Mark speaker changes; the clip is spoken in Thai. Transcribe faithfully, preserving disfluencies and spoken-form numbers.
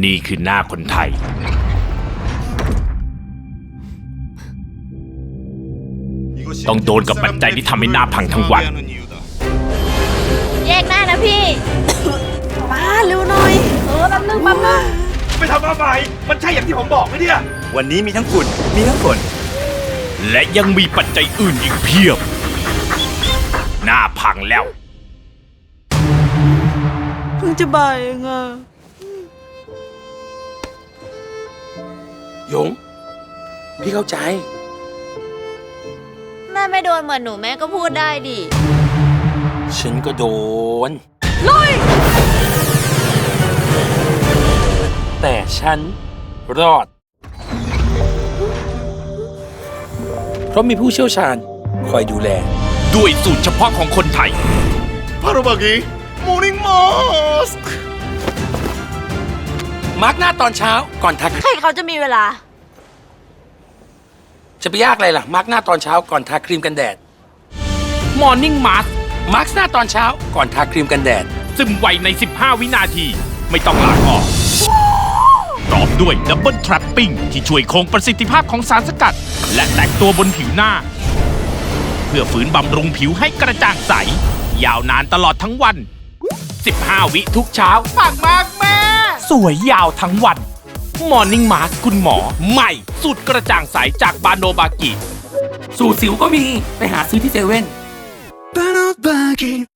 Speaker 1: นี่คือหน้าคนไทยต้องโดนกับปัจจัยที่ทำให้หน้าพังทั้งวัน
Speaker 2: แยกหน้านะพี่ มาเร็วหน่อยเออแป๊บนึงแป๊บนึง
Speaker 3: ไปทำอะไรมันใช่อย่างที่ผมบอกไหมเนี่ย
Speaker 4: วันนี้มีทั้งฝุ่นมีทั้งฝน
Speaker 1: และยังมีปัจจัยอื่นอีกเพียบหน้าพังแล้ว
Speaker 2: เพิ่งจะบ่ายเองอะ
Speaker 5: หยงพี่เข้าใจ
Speaker 2: แม่ไม่โดนเหมือนหนูแม่ก็พูดได้ดิ
Speaker 5: ฉันก็โดน
Speaker 2: ลุย
Speaker 5: แต่ฉันรอดเพราะมีผู้เชี่ยวชาญคอยดูแล
Speaker 1: ด้วยสูตรเฉพาะของคนไทย
Speaker 3: พาราบากิมอร์นิ่งมาสก์
Speaker 5: มาร์กหน้าตอนเช้าก่อนทา
Speaker 2: ใครเขาจะมีเวลา
Speaker 5: จะไปยากอะไรล่ะมาร์กหน้าตอนเช้าก่อนทาครีมกันแดด
Speaker 1: Morning Mask
Speaker 5: มาร์กหน้าตอนเช้าก่อนทาครีมกันแดด
Speaker 1: ซึมไวในสิบห้าวินาทีไม่ต้องล้างออกพร้อมด้วย Double Trapping ที่ช่วยคงประสิทธิภาพของสารสกัดและแตกตัวบนผิวหน้าเพื่อฝืนบำรุงผิวให้กระจ่างใสยาวนานตลอดทั้งวันสิบห้าวิทุกเช้ามากมากแม่สวยยาวทั้งวัน Morning Mask คุณหมอใหม่สูตรกระจ่างใสจากบาโนบากิ
Speaker 5: สูตรสิวก็มีไปหาซื้อที่เซเว่น